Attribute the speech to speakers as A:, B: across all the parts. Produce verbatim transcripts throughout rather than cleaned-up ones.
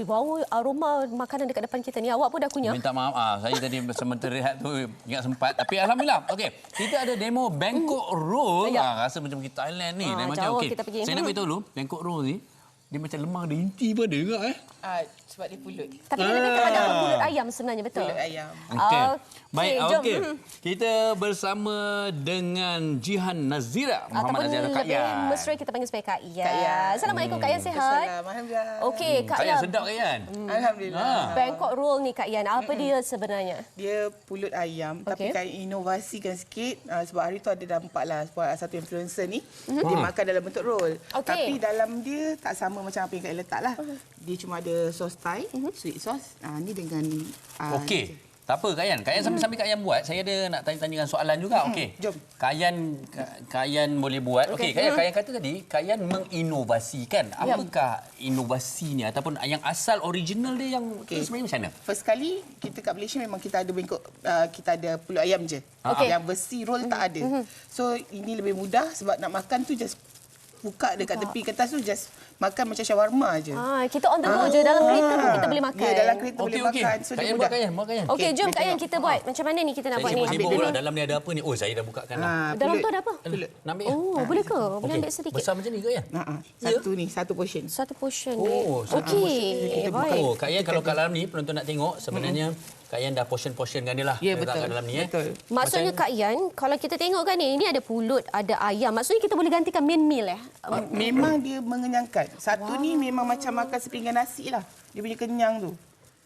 A: Ui, bau aroma makanan dekat depan kita ni. Awak pun dah kunyah.
B: Minta maaf, ah, saya tadi sementara rehat tu ingat sempat. Tapi alhamdulillah, okey. Kita ada demo Bangkok Roll.
A: Ya.
B: Ah, rasa macam kita Thailand ni.
A: Ah,
B: Dan macam
A: jauh
B: okey.
A: kita pergi.
B: Saya nak beritahu dulu, Bangkok Roll ni dia macam lemah, ada inti pun ada juga eh.
C: Ah, sebab dia pulut.
A: Tapi dia lebih kepada pulut ayam sebenarnya, betul?
C: Pulut ayam.
B: Okey.
A: Okey,
B: Baik,
A: jom.
B: okey. Kita bersama dengan Jihan Nazira, Muhammad
A: Ataupun
B: Nazira Kak
A: lebih
B: Yan.
A: mesra kita panggil sebagai Kak Yan.
C: Kak Yan.
A: Assalamualaikum Kak Yan, sihat?
C: Assalam, alhamdulillah.
A: Okey, Kak
B: Kak Yan
A: Yan.
B: sedap Kak Yan.
C: Alhamdulillah.
A: Bangkok Roll ni Kak Yan, apa dia sebenarnya?
C: Dia pulut ayam,
A: Okey.
C: tapi kan inovasikan sikit uh, sebab hari tu ada nampak lah sebab satu influencer ni
A: Mhm.
C: dia makan dalam bentuk roll.
A: Okey.
C: Tapi dalam dia tak sama macam apa yang Kak Yan letak lah. Dia cuma ada sos Thai,
A: Mhm.
C: sweet sauce. Uh, ni dengan uh,
B: Okey. Tak apa Kak Yan. Kak Yan sambil-sambil Kak Yan buat, saya ada nak tanya-tanyakan soalan juga. Okey.
C: jom.
B: Kak Yan, Kak Yan boleh buat. Okey, Kak Yan, Kak Yan kata tadi, Kak Yan menginovasikan.
A: Ya.
B: Apakah inovasinya ataupun yang asal original dia yang okay. sebenarnya macam mana?
C: First kali kita kat Malaysia memang kita ada bengkok, uh, kita ada pulut ayam je.
A: Okey.
C: Yang besi roll tak ada. So ini lebih mudah sebab nak makan tu just buka dekat tepi kertas tu just makan macam shawarma je.
A: Ah, kita on the go je, dalam kereta pun kita boleh makan.
C: Ya, dalam kereta
B: Okey,
C: boleh
B: okey.
C: makan. So
B: Kak
C: dia
B: Yan buat
C: mudah.
B: Kak Yan, buat Kak Yan.
A: Okey, jom
C: kita
A: Kak Yan
C: tengok.
A: kita buat. Macam mana ni kita nak
B: Saya
A: buat ni?
B: sibuk-sibuk
A: Ambil
B: pula.
A: dulu.
B: Dalam ni ada apa ni? Oh, saya dah bukakan dah.
C: Ah,
A: Dalam
C: pulut.
A: tu ada apa?
C: Pulut.
B: Nak ambil ya?
A: Oh, boleh ke? Boleh
B: Okey.
A: ambil sedikit.
B: Besar macam ni Kak Yan?
C: Ha ah. Satu ni, satu portion.
A: Satu portion
B: Oh,
A: ni.
B: satu
A: Okey,
C: kita buka.
A: baik.
B: Oh, Kak Yan kalau kat dalam ni penonton nak tengok sebenarnya Kak Yan dah portion-portionkan dia lah.
C: Ya,
B: Letak
C: betul.
B: kat dalam ni eh.
C: Betul.
A: Maksudnya Kak Yan, kalau kita tengok kan ni, ini ada pulut, ada ayam. Maksudnya kita boleh gantikan main meal eh?
C: Memang dia mengenyangkan. Satu ni memang macam makan sepinggan nasi lah. Dia punya kenyang tu.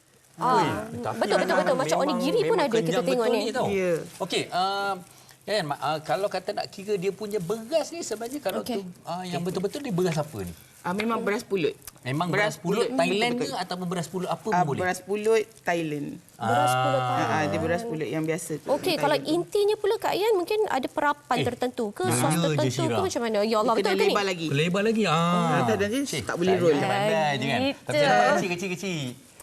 A: Ah,
B: Tapi
A: betul, betul, betul. Macam
B: memang-
A: onigiri pun
B: memang
A: ada kita
B: kenyang
A: tengok
B: betul
A: ni.
B: tau.
C: Ya.
B: Okey, uh, Kan, uh, kalau kata nak kira dia punya beras ni sebenarnya kalau
A: Okey.
B: tu uh, yang betul-betul dia beras apa ni?
C: Ah, memang beras pulut.
B: Memang beras,
C: Beras
B: pulut
C: pulut,
B: Thailand
C: betul,
B: ke ataupun beras pulut apa
C: Ah,
B: pun boleh?
C: beras pulut Thailand.
A: Beras pulut
C: Ah,
A: Thailand.
C: ah, dia beras pulut yang biasa tu.
A: Okey,
C: Thailand
A: kalau
C: tu.
A: intinya pula Kak Yan mungkin ada perapan
B: Eh,
A: tertentu ke,
B: dia
A: sos
B: je,
A: tertentu
B: Syira.
A: ke macam mana? Ya Allah,
C: Dia
A: betul
C: kena
A: ke ni?
C: lebar lagi.
B: Lebar lagi. Ah.
C: Nanti nanti
B: Cik,
C: tak boleh roll.
B: saya pandai je kan.
A: Gitu.
B: Tapi saya kecil-kecil.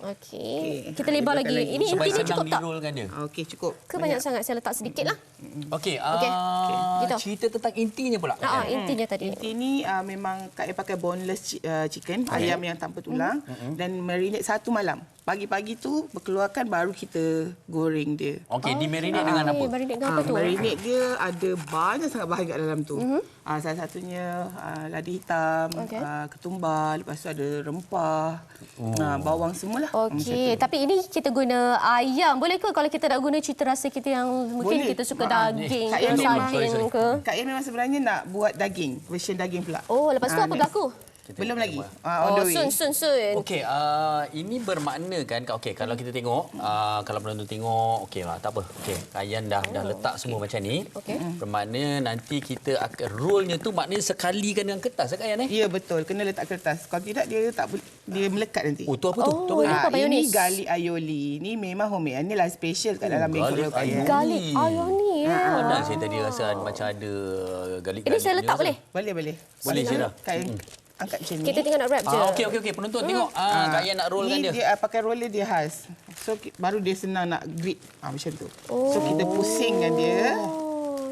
A: Okey.
C: Okey,
A: Kita
C: ha,
A: lebar
C: lebarkan
A: lagi.
C: lagi.
A: Ini
B: Supaya
A: intinya
B: senang
A: cukup tak?
B: di-rollkan dia.
C: Ah, Okey, cukup.
A: Ke banyak sangat? Saya letak sedikit lah.
B: Okey,
A: Okey.
B: ah,
A: Gitu.
B: cerita tentang intinya pula.
A: Ah, ah, intinya tadi.
C: Inti ni uh, memang Kak Air pakai boneless chi- uh, chicken, ayam yang tanpa tulang dan marinate satu malam. Pagi-pagi tu berkeluarkan baru kita goreng dia.
B: Okey, di marinate dengan apa?
A: Eh, marinate dengan apa
C: Ah,
A: tu?
C: marinate dia ada banyak sangat bahan kat dalam tu. Ah, salah satunya ah, ladi hitam,
A: Okey.
C: ah, ketumbar, lepas tu ada rempah, ah, bawang semualah.
A: Okey, tapi ini kita guna ayam. Boleh ke kalau kita nak guna cita rasa kita yang mungkin
C: Boleh.
A: kita suka
C: Ah,
A: daging
C: Kak
A: ke,
C: Yan memang-
A: sardin
B: sorry, sorry.
A: ke?
C: Kak Air memang sebenarnya nak buat daging, version daging pula.
A: Oh, lepas tu
C: Ah,
A: apa
C: next.
A: berlaku?
C: Belum lagi. Ah, on
A: Oh,
C: the way.
A: sun, sun, sun.
B: Okey, uh, ini bermakna kan, okey kalau kita tengok, uh, kalau penonton tengok, okey lah, tak apa. Okey, Kayan dah dah letak semua macam ni.
A: Okey.
B: Bermakna nanti kita akan rollnya tu maknanya sekalikan dengan kertas kan Kayan eh?
C: Ya, betul. Kena letak kertas. Kalau tidak, dia tak boleh, dia melekat nanti.
B: Oh, tu apa tu?
A: Oh,
B: tu apa?
A: ini
C: Ah,
A: apa,
C: ini
A: mayonis?
C: garlic aioli. Ini memang homemade. Ini lah special kat dalam bengkok
B: garlic
C: roll Kak Yan.
B: aioli.
A: Garlic ayoni ya.
B: Mana saya tadi rasa macam ada garlic.
A: Ini saya letak boleh?
C: Boleh, boleh.
B: Boleh, Syirah.
C: Kak Yan angkat macam ni.
A: Kita tinggal nak wrap je.
B: Ah, okey okey okey penonton tengok. Ah, Kayan nak rollkan
C: ni
B: dia.
C: dia. ah, pakai roller dia khas. So, ki- baru dia senang nak grip. Ah, macam tu. So, kita pusingkan dia.
A: Oh.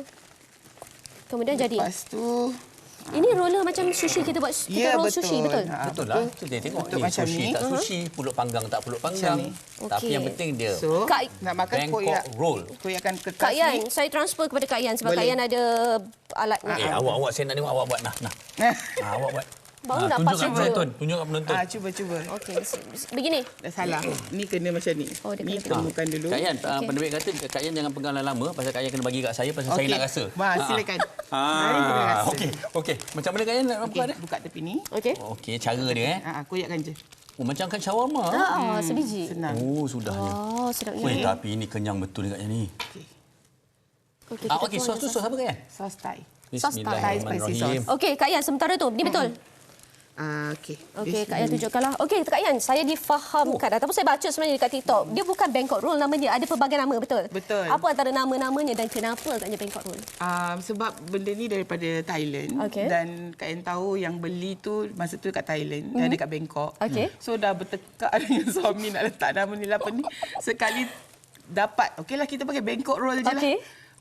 A: Kemudian jadi.
C: Lepas tu...
A: Ini roller macam sushi kita buat kita
C: Ya,
A: roll
C: betul.
A: sushi betul.
C: Ah,
B: Betul lah. Kita tengok
C: Betul
B: ni
C: macam
B: sushi
C: ni.
B: tak sushi, pulut panggang tak pulut panggang.
C: ni.
B: Tapi
A: Okey.
B: yang penting dia
C: So,
A: Kak-
C: nak makan
B: Bangkok
C: koyak.
B: roll.
C: Koyakkan kertas
A: Kak
C: ni.
A: Yan, saya transfer kepada Kak Yan sebab
C: Boleh.
A: Kak Yan ada alatnya.
B: Eh, awak awak saya nak tengok awak buat nah nah. Ah, awak buat.
A: Baru
B: Ah,
A: dapat
B: tunjuk kat
A: cuba.
B: penonton, tunjuk kat penonton.
C: Ah, cuba, cuba.
A: Okey, se- se- begini.
C: Dah salah. Ni kena macam ni.
A: Oh, dia
C: ni
A: kena
C: temukan dulu.
B: Kak Yan, okay.
A: Okey.
B: Pendebik kata Kak Yan jangan pegang lama pasal Kak Yan kena bagi kat saya pasal saya
C: Okey.
B: nak rasa.
C: Wah, silakan. Mari kita
B: Ah,
C: rasa.
B: okey. Okey. Macam mana Kak Yan nak buka
C: Okey,
B: dia?
C: buka tepi ni.
A: Okey.
B: Okey, cara dia eh.
C: Ah, koyakkan je.
B: Oh, macam kan shawarma.
A: Ah, sebiji.
C: Senang.
B: Oh, sudahnya.
A: Oh, sedapnya.
B: Weh, tapi ini kenyang betul ni Kak Yan ni.
A: Okey,
B: Ah,
A: kita
B: okey,
A: tuang
B: sos tu
A: je
B: sos apa Kak Yan?
C: Sos Thai.
A: Sos Thai.
C: Thai spicy sauce.
A: Okey, Kak Yan, sementara tu. Ni betul.
C: Ah, okey.
A: Okey, Kak Yan tunjukkanlah. Okey, Kak Yan, saya difahamkan ataupun saya baca sebenarnya dekat TikTok. Dia bukan Bangkok Roll namanya, ada pelbagai nama, betul?
C: Betul.
A: Apa antara nama-namanya dan kenapa agaknya Bangkok Roll?
C: Um, sebab benda ni daripada Thailand
A: Okey.
C: dan Kak Yan tahu yang beli tu masa tu kat Thailand, mm-hmm. dia ada kat Bangkok.
A: Okey.
C: So dah bertekak dengan suami nak letak nama ni lah apa ni. Sekali dapat, okeylah kita pakai Bangkok Roll je
A: Okey.
C: lah.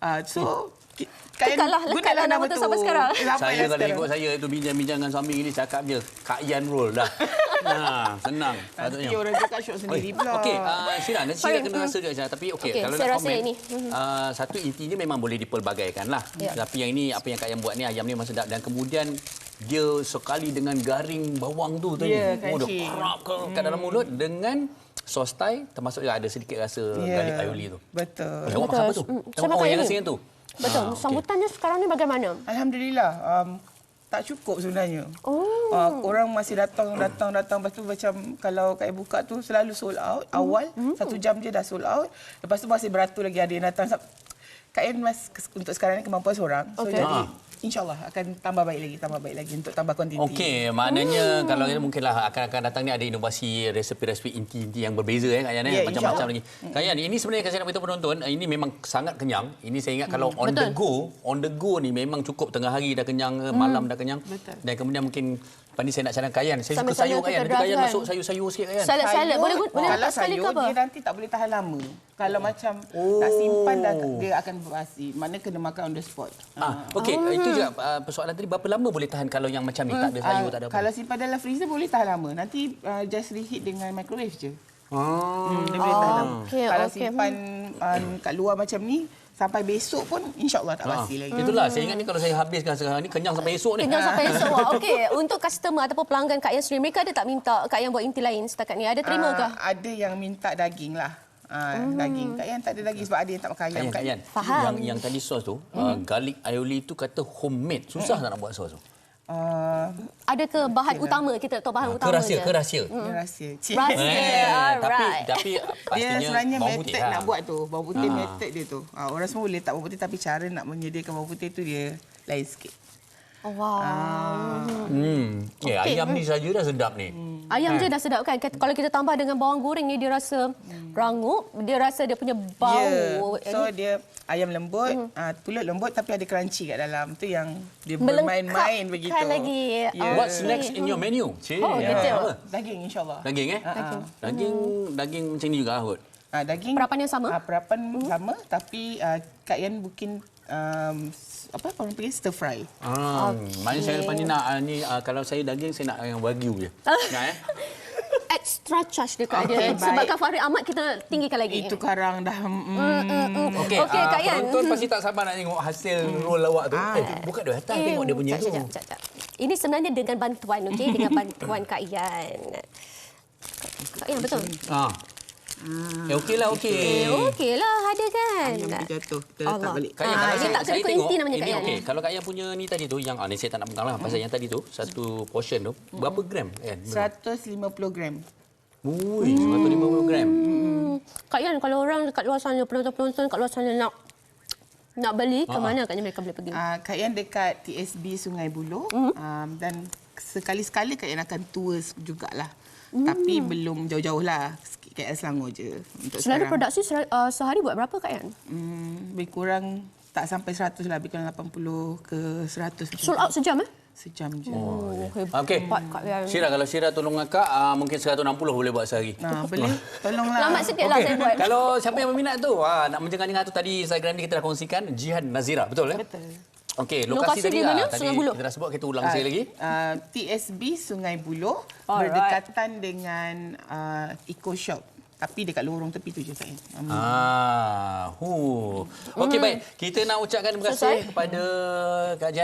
C: Uh, so ki- Kak Yan
A: Tekaklah, lekat
C: gunalah
A: lah nama tu sampai sekarang.
C: Sampai
B: Saya
C: lah
B: kalau
C: sekarang.
B: ikut saya tu bincang-bincang dengan suami ini cakap je Kak Yan roll dah. Nah, senang.
C: Nanti orang cakap syok sendiri pula.
B: Okey, uh, Syira, nanti
A: Sorry,
B: Syira kena
A: hmm.
B: rasa juga. Tapi okey,
A: Okey,
B: kalau
A: saya
B: nak
A: rasa
B: komen,
A: ini.
B: uh, satu intinya memang boleh dipelbagaikan lah.
A: Ya.
B: Tapi yang ini, apa yang Kak Yan buat ni, ayam ni memang sedap. Dan kemudian, dia sekali dengan garing bawang tu tadi.
C: Ya,
B: Oh, dia
C: crunchy.
B: kerap ke kat dalam mulut dengan sos Thai, termasuk juga ada sedikit rasa
C: Ya,
B: garlic aioli tu.
C: betul.
B: Eh, awak makan apa tu?
A: Hmm, saya
B: Oh,
A: makan
B: yang
A: ini.
B: nasi yang tu?
A: Betul.
B: Ah, okey.
A: Sambutannya sekarang ni bagaimana?
C: Alhamdulillah. Um, tak cukup sebenarnya.
A: Oh.
C: Uh, orang masih datang, datang, datang. Lepas tu macam kalau Kak Yan buka tu selalu sold out. Awal,
A: Hmm.
C: satu jam je dah sold out. Lepas tu masih beratur lagi ada yang datang. Kak Yan mas, untuk sekarang ni kemampuan seorang. So
A: Okey.
C: jadi
B: Ah.
C: insyaAllah akan tambah baik lagi, tambah baik lagi untuk tambah kuantiti.
B: Okey, maknanya hmm. kalau kita mungkinlah akan akan datang ni ada inovasi resepi-resepi inti-inti yang berbeza eh Kak Yan eh,
C: Ya,
B: macam-macam lagi.
C: insyaAllah.
B: Kak Yan, ini sebenarnya saya nak beritahu penonton, ini memang sangat kenyang. Ini saya ingat kalau on the
A: Betul.
B: go, on the go ni memang cukup tengah hari dah kenyang, hmm. malam dah kenyang.
C: Betul.
B: Dan kemudian mungkin lepas ni saya nak cadang Kak Yan. Saya suka
A: Sama-sama
B: sayur Kak Yan.
A: kita
B: Nanti Kak Yan
A: draft
B: masuk
A: kan.
B: sayur-sayur sikit Kak Yan.
A: Salad-salad. Boleh boleh
C: kalau
A: letak sekali ke
C: sayur,
A: apa?
C: dia nanti tak boleh tahan lama. Kalau macam
B: Oh.
C: nak simpan, dah, dia akan basi. Mana kena makan on the spot.
B: Ah, okey, itu juga uh, persoalan tadi berapa lama boleh tahan kalau yang macam ni tak ada sayur,
C: Ah,
B: tak ada apa.
C: Kalau simpan dalam freezer boleh tahan lama. Nanti uh, just reheat dengan microwave je.
B: Ah.
C: Hmm, dia boleh tahan lama.
A: okey,
C: Kalau
A: okey.
C: simpan um, kat luar macam ni, sampai besok pun insyaAllah tak
B: Ah,
C: basi lagi.
B: itulah saya ingat ni kalau saya habiskan sekarang ni kenyang sampai esok ni.
A: Kenyang sampai esok. Wah, okey. Untuk customer ataupun pelanggan Kak Yan sendiri, mereka ada tak minta Kak Yan buat inti lain setakat ni? Ada terima ke?
C: Ah, ada yang minta daging lah. Ah, daging. Kak Yan tak ada daging sebab ada yang tak makan
B: Kak
C: ayam.
B: Yan, Kak Yan.
A: Faham.
B: Yang yang tadi sos tu, uh, garlic aioli tu kata homemade. Susah tak nak buat sos tu?
C: Ah,
A: Ada ke bahan utama? Kita tak tahu bahan utama
B: Ke rahsia,
A: je.
B: ke rahsia.
C: dia rahsia. Cik.
A: Rahsia.
B: Eh, tapi
A: Alright.
B: tapi
C: Dia
B: pastinya
C: sebenarnya
B: bawang
C: method
B: putih lah.
C: nak buat tu. Bawang putih
B: Ah.
C: method dia tu. Ah, orang semua boleh tak bawang putih tapi cara nak menyediakan bawang putih tu dia lain sikit.
A: Oh, wow.
B: Hmm. Ya,
A: Okey.
B: ayam ni saja dah sedap ni.
A: Ayam je dah sedap kan? Kat- Kalau kita tambah dengan bawang goreng ni, dia rasa rangup. Dia rasa dia punya bau.
C: Ya. So dia ayam lembut,
A: Hmm.
C: ah, pulut lembut tapi ada crunchy kat dalam. Tu yang dia
A: Melengkapkan
C: bermain-main begitu.
A: lagi.
C: Ya.
B: What's next in your menu? Cik.
A: Oh,
B: Ya.
A: gitu.
B: Apa?
C: Daging insyaAllah.
B: Daging eh?
C: Daging.
B: Daging daging macam ni juga Ahud.
C: Ah, daging
A: Perapan yang sama?
C: Ah, perapan sama tapi ah, Kak Yan mungkin um, apa orang panggil stir fry.
B: Ah, maknanya saya lepas ni nak ah, ni ah, kalau saya daging saya nak yang wagyu je. Nak eh?
A: Extra charge dekat
C: Okey,
A: dia.
C: baik.
A: Sebabkan Fahri Ahmad kita tinggikan lagi.
C: Itu karang dah mm,
B: Okey,
A: Okey,
B: ah,
A: Kak Yan.
B: penonton pasti tak sabar nak tengok hasil roll awak tu. Eh, buka dia atas tengok dia punya
A: sekejap,
B: tu.
A: sekejap, sekejap. Ini sebenarnya dengan bantuan, okey? Dengan bantuan Kak Yan. Kak Yan, betul?
B: Ah. Eh, okeylah, okey.
A: Eh, okey lah, ada kan?
C: ayam dia jatuh. Kita letak
A: Allah.
C: balik.
B: Kak Yan,
A: Ah,
B: kalau
A: ini
B: saya,
A: tak
B: saya
A: ikut
B: tengok,
A: inti namanya,
B: ini
A: Kak Yan.
B: okey. Kalau Kak Yan punya ni tadi tu, yang ah, ni saya tak nak pegang lah. Pasal yang tadi tu, satu portion tu, berapa gram? Kan?
C: seratus lima puluh gram.
B: Ui, seratus lima puluh gram.
A: Hmm. Kak Yan, kalau orang dekat luar sana, penonton-penonton kat luar sana nak nak beli, ke mana agaknya mereka boleh pergi?
C: Uh, Kak Yan dekat T S B Sungai Buloh mm. um, dan sekali-sekali Kak Yan akan tour jugalah. Mm. Tapi belum jauh-jauh lah. K L Selangor je untuk
A: Selalu
C: sekarang.
A: produksi uh, sehari buat berapa Kak Yan?
C: Hmm, lebih kurang tak sampai seratus lah. Lebih kurang lapan puluh ke seratus.
A: Sold out sejam eh?
C: Sejam je.
A: Oh, hebat
B: Okey.
A: Kak Yan.
B: Syira, kalau Syira tolong akak, ah, mungkin seratus enam puluh boleh buat sehari.
C: Nah, boleh. Tolonglah.
A: Lambat sikit lah
B: Okey,
A: saya buat.
B: kalau siapa yang berminat tu, ah, nak menjengah-jengah tu tadi Instagram ni kita dah kongsikan, Jihan Nazira, betul eh?
C: Betul.
B: Okey,
A: Lokasi
B: lokasi, tadi
A: di mana?
B: ah, tadi
A: Sungai Buloh?
B: kita dah sebut, kita ulang
C: Ah,
B: sekali lagi.
C: Uh, T S B Sungai Buloh
A: Alright.
C: berdekatan dengan uh, Eco Shop. Tapi dekat lorong tepi tu je Kak Yan. Um,
B: Ah, hu. Okey, baik. Kita nak ucapkan terima kasih
A: Selesai?
B: kepada Kak Jihan